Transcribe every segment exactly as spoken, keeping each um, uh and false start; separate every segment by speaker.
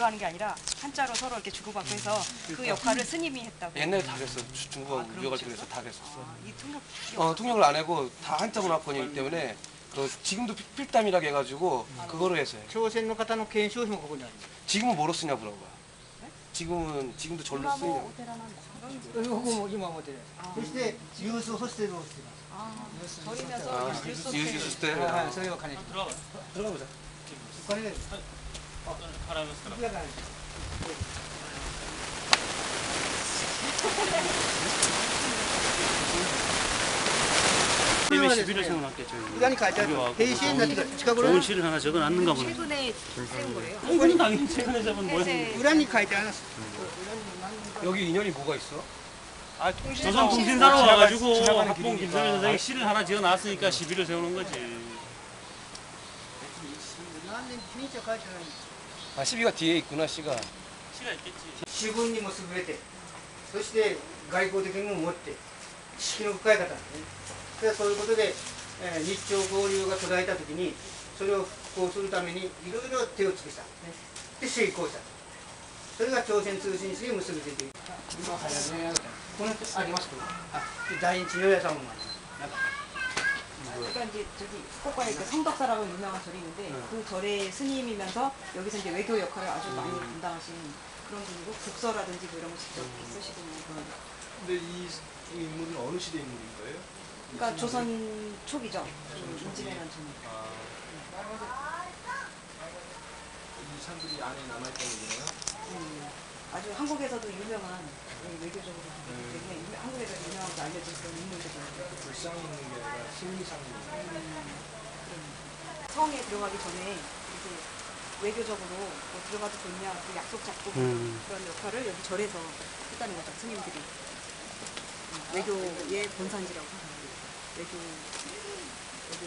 Speaker 1: 그거 하는 게 아니라 한자로 서로 이렇게 주고받고 해서 그 역할을 스님이 했다고.
Speaker 2: 옛날에 다 그랬어. 중국하고
Speaker 1: 아, 그런
Speaker 2: 무역할 때
Speaker 1: 거였어?
Speaker 2: 그래서 다 그랬었어.
Speaker 1: 아, 이 통역.
Speaker 2: 어, 통역을 안 하고 다 한자 문화권이기 때문에 그 지금도 필- 필담이라고 해가지고 그거로 해서 해.
Speaker 3: 朝鮮の方の研修費もここにあります
Speaker 2: 지금은 뭐로 쓰냐 물어봐. 지금은 지금도 절로
Speaker 1: 이마모
Speaker 2: 쓰냐.
Speaker 1: 오테라는 그런
Speaker 3: ここも今持ってるそしてユースホステルをしています
Speaker 1: 아, 절이면서
Speaker 2: 아,
Speaker 1: 뉴스
Speaker 2: 유스
Speaker 1: 호스텔.
Speaker 2: 때.
Speaker 3: はい、それを兼ねて
Speaker 4: 들어가.
Speaker 2: 들어가 보자.
Speaker 3: お金で
Speaker 4: 払いますから。
Speaker 3: いくらかね
Speaker 4: 때문에 시비를 세워놨겠죠. 이거.
Speaker 3: 裏に書いてある平成になってから近頃
Speaker 4: 좋은 시를 하나 적어놨는가 보네.
Speaker 1: 최근에 세운 거래요.
Speaker 4: 이거는 당연히 최근에 잡은 뭐야.
Speaker 1: 해세
Speaker 3: 裏に書いてあります
Speaker 2: 여기 인연이 뭐가 있어?
Speaker 3: 아 통신
Speaker 4: 조선 통신사로 와가지고
Speaker 2: 지나가는
Speaker 4: 합봉
Speaker 2: 길이니까.
Speaker 4: 김성현 선생이 시를 하나 지어놨으니까 시비를 세우는 거지.
Speaker 3: 何年日にちは書いてない
Speaker 2: 아, 시비가 뒤에 있구나, 씨가.
Speaker 4: 시가 있겠지.
Speaker 3: 資本にも優れてそして外交的にも持って知識の深い方なんですねでそういうことで、えー日朝交流が途絶えた時にそれを復興するためにいろいろ手を尽くした、ね、で成功したそれが朝鮮通信使に結びついている今早ねこのありますかあ第一与野さんもありますなんか
Speaker 1: 그러니까 이제 저기 후쿠오카에 그 성덕사라고 유명한 절이 있는데 그 절의 스님이면서 여기서 이제 외교 역할을 아주 많이 담당하신 그런 분이고 국서라든지 뭐 이런 거 직접 쓰시고 그런.
Speaker 5: 근데 이, 이 인물은 어느 시대 인물인 거예요?
Speaker 1: 그러니까 조선 초기죠. 그 임진왜란 전.
Speaker 5: 이 사람들이 안에 남아있다는 얘기네요?
Speaker 1: 음, 아주 한국에서도 유명한 예, 외교적으로 그렇기 때문에 유- 한국에서 유명하게 알려진 그런 인물들이에요.
Speaker 5: 불상이 있는 게 아니라 심리상이 있는 거예요.
Speaker 1: 성에 들어가기 전에 이제 외교적으로 뭐 들어가도 좋냐 그 약속 잡고
Speaker 4: 음.
Speaker 1: 그런 역할을 여기 절에서 했다는 거죠. 스님들이 음, 외교의 본산지라고 하는 외교 외교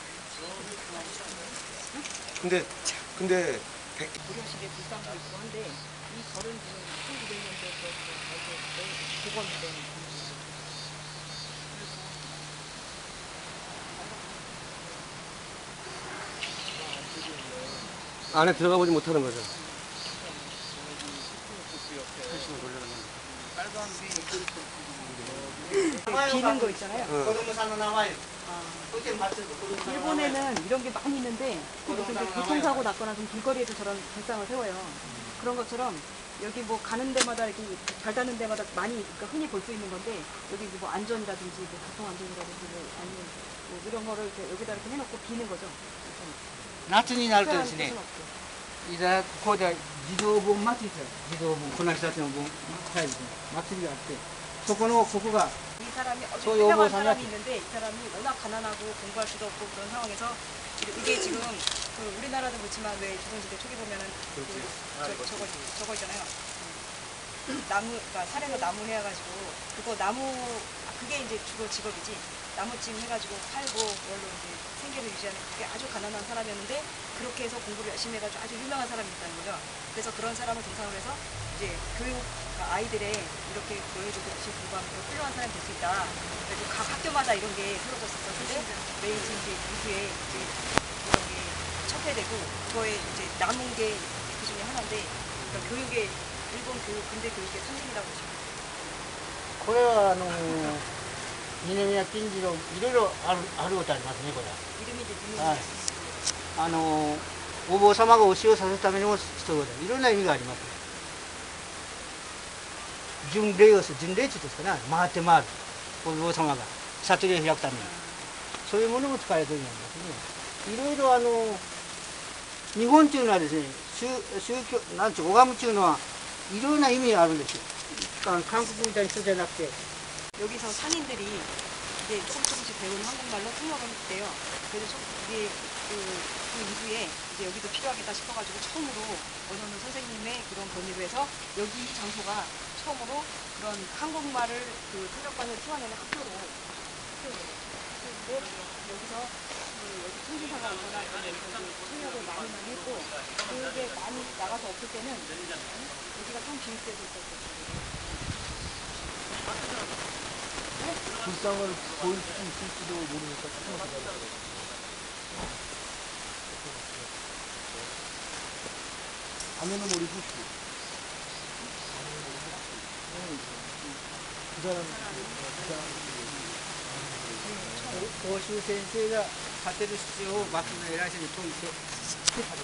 Speaker 2: 근데, 근데, 백,
Speaker 1: 고려식의 불상도 있고 한데 이 절은 지금 천구백 년대부터 복원된
Speaker 2: 안에 들어가 보지 못하는 거죠.
Speaker 1: 비는 거 있잖아요.
Speaker 3: 子供さんの名前
Speaker 1: 아,
Speaker 3: そして松子供さんの名前
Speaker 1: 일본에는 이런 게 많이 있는데 무슨 이제 교통사고 났거나 좀 길거리에도 저런 불상을 세워요. 그런 것처럼 여기 뭐 가는 데마다 이렇게 발 닿는 데마다 많이 그러니까 흔히 볼 수 있는 건데 여기 뭐 안전이라든지 뭐 교통 안전이라든지 뭐 아니면 뭐 이런 거를 이렇게 여기다 이렇게 해놓고 비는 거죠.
Speaker 3: 夏になるとで
Speaker 1: 특별한
Speaker 3: すね
Speaker 1: 뜻은 없고.
Speaker 3: いざここで児童盆祭りですよ児童盆この人たちの盆祭りですね祭りがあってそこのここが
Speaker 1: 이 사람이 어디
Speaker 3: 저
Speaker 1: 유명한
Speaker 3: 여보
Speaker 1: 사람이
Speaker 3: 사람이
Speaker 1: 있는데 이 사람이 워낙 가난하고 공부할 수도 없고 그런 상황에서 이게 지금 그 우리나라도 그렇지만 왜 조선시대 초기 보면은 그 저, 저거 저거 있잖아요. 음. 나무 그러니까 산에서 나무 해가지고 그거 나무 아, 그게 이제 주로 직업이지 나무찜 해가지고 팔고 그걸로 이제 생계를 유지하는 그게 아주 가난한 사람이었는데 그렇게 해서 공부를 열심히 해가지고 아주 유명한 사람이 있다는 거죠. 그래서 그런 사람을 대상으로 해서 이제 교육 그러니까 아이들의 이렇게 너희들도 열심히 공부하면 훌륭한 사람이 될 수 있다. 그래서 각 학교마다 이런 게 세워졌었는데 메이지 이제 이후에 이제 이런 게 첩회되고 그거에 이제 남은 게 그 중에 하나인데 그러니까 교육의 일본 교육 근대 교육의 상징이라고 보시면 돼요.
Speaker 3: これはあの二宮金次郎いろいろあるあることありますねこれ
Speaker 1: 이름이 이제 누누
Speaker 3: はいあのお坊様が教えをさせるためにもそういうこといろんな意味があります巡礼をする巡礼地ですかね回って回るお坊様が悟りを開くためにそういうものも使われているんですねいろいろあの日本っていうのはですね宗宗教なんていう拝むっていうのはいろんな意味があるんですよあの韓国みたいな人じゃなくて
Speaker 1: 여기서 상인들이 이제 조금 조금씩 배우는 한국말로 통역을 했대요. 그래서 좀 이게 그, 그 이후에 이제 여기도 필요하겠다 싶어가지고 처음으로 원어는 선생님의 그런 권유로 해서 여기 이 장소가 처음으로 그런 한국말을 그 통역반을 키워내는 학교로 키웠는데 여기서 그 여기 통신사가 오거나 이런 데서 통역을 많이 많이 했고 그게 많이 나가서 없을 때는 여기가 좀 비입돼서 있었어요.
Speaker 5: 불상을 보일 수 있을지도 모르니까 조금 기다려야 가면은 머리 붓고. 그 사람, 그 사람.
Speaker 3: 講習先生が立てる必要を幕府の偉い人に説いてして立て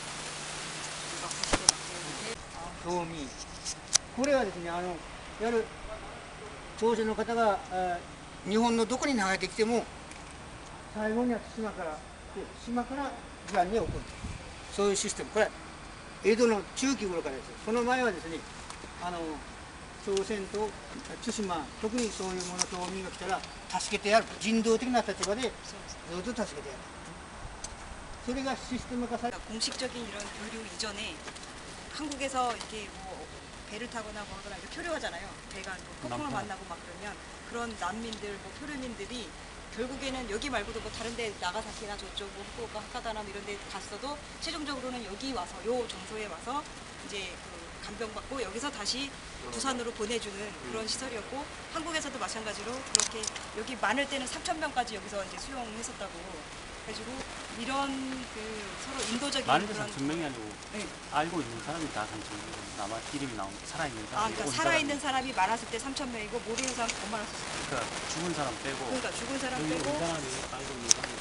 Speaker 3: た道民これはですねあのいわゆる朝鮮の方があ日本のどこに流れてきても最後には島から島から時間に起こるそういうシステムこれは江戸の中期頃からですその前はですねあの朝鮮と対馬特にそういうもの島民が来たら助けてやる人道的な立場でずっと助けてやるそれがシステム化され
Speaker 1: 공식적인 이런 교류 이전에 한국에서 이렇게 뭐 배를 타거나 뭐 하거나 이렇게 표류하잖아요. 배가 뭐 폭풍을 만나고 막 그러면 그런 난민들, 뭐 표류민들이 결국에는 여기 말고도 뭐 다른 데 나가사키나 저쪽 뭐 후쿠오카 하카다나 뭐 이런 데 갔어도 최종적으로는 여기 와서 요 정소에 와서 이제 그 간병받고 여기서 다시 부산으로 보내주는 그런 시설이었고 한국에서도 마찬가지로 그렇게 여기 많을 때는 삼천 명까지 여기서 이제 수용했었다고 그래가지고 이런 그 서로 인도적인
Speaker 4: 많은데
Speaker 1: 그런
Speaker 4: 삼천 명이 아니고
Speaker 1: 네.
Speaker 4: 알고 있는 사람이 다 삼천 명이고 남아 이름이 나온 살아있는
Speaker 1: 아,
Speaker 4: 사람이
Speaker 1: 그러니까
Speaker 4: 온
Speaker 1: 살아있는 사람이 많았을 때 삼천 명이고 모르는 사람 더 많았었어요.
Speaker 4: 그러니까 죽은 사람 빼고
Speaker 1: 그러니까 죽은 사람
Speaker 4: 여기 온
Speaker 1: 빼고
Speaker 4: 사람이 알고 있는 사람이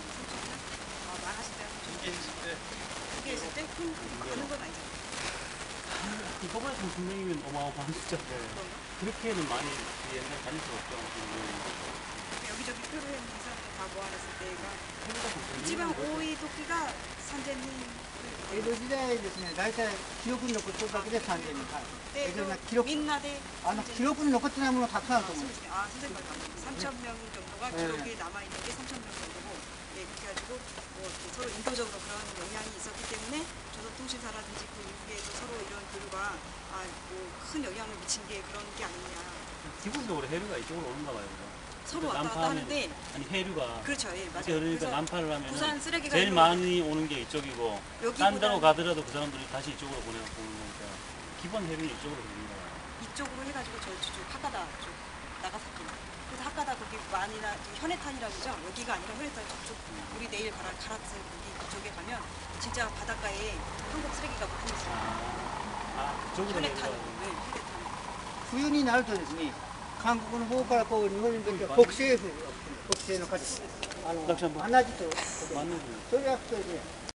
Speaker 1: 아, 많았을 때 이게 있을 때 이게 있을 때 큰, 많은 건 아니잖아요.
Speaker 4: 이거보다 삼천 명이면 어마어마한 숫자인데 그렇게는 많이 옛날 다닐 수가 없죠.
Speaker 1: 여기저기 표류했는 사람들 다 모아놨을 때가 이지방 오이 도끼가 선생님
Speaker 3: 江戸時代ですね大体記録に残ってるだけでさんぜんにんはい江
Speaker 1: 때
Speaker 3: 戸の記録
Speaker 1: 민나대
Speaker 3: あの記録に残ってないものたくさんあると思うんです
Speaker 1: 아 선생님 말씀 삼천 명 정도가
Speaker 3: 네.
Speaker 1: 기록에 남아있는 게 삼천 명 정도고 예, 그렇게 해가지고 뭐 이렇게 서로 인도적으로 그런 영향이 있었기 때문에 조선통신사라든지 그 이후에도 서로 이런 교류가 아, 뭐 큰 영향을 미친 게 그런 게 아니냐
Speaker 4: 기본적으로 해류가 이쪽으로 오는가 봐요. 그죠?
Speaker 1: 서로 왔다 갔다 하는데
Speaker 4: 아니 해류가
Speaker 1: 그렇죠 예 맞아요
Speaker 4: 그러니까
Speaker 1: 그래서
Speaker 4: 난파를 하면
Speaker 1: 부산 쓰레기가
Speaker 4: 제일
Speaker 1: 일로
Speaker 4: 많이 오는 게 이쪽이고 딴 데로
Speaker 1: 여기보다는
Speaker 4: 가더라도 그 사람들이 다시 이쪽으로 보내고 오는 거니까 기본 해류는 이쪽으로 오는 거예요.
Speaker 1: 이쪽으로 해가지고 저쪽 하카다 쪽 나가사키 그래서 하카다 거기 만이나 현해탄이라고 그러죠 여기가 아니라 현해탄 저쪽 우리 내일 가라 가라츠 거기 그쪽에 가면 진짜 바닷가에 한국 쓰레기가 붙어 있어요
Speaker 4: 아 그쪽으로
Speaker 1: 현해탄
Speaker 4: 내려가고.
Speaker 1: 네 현해탄
Speaker 3: 冬になるとですね韓国の方からこう日本に向けて北西風北西の風あの
Speaker 4: 私はもう
Speaker 3: 穴地と
Speaker 4: 맞는 거예요.
Speaker 3: それが吹くとですね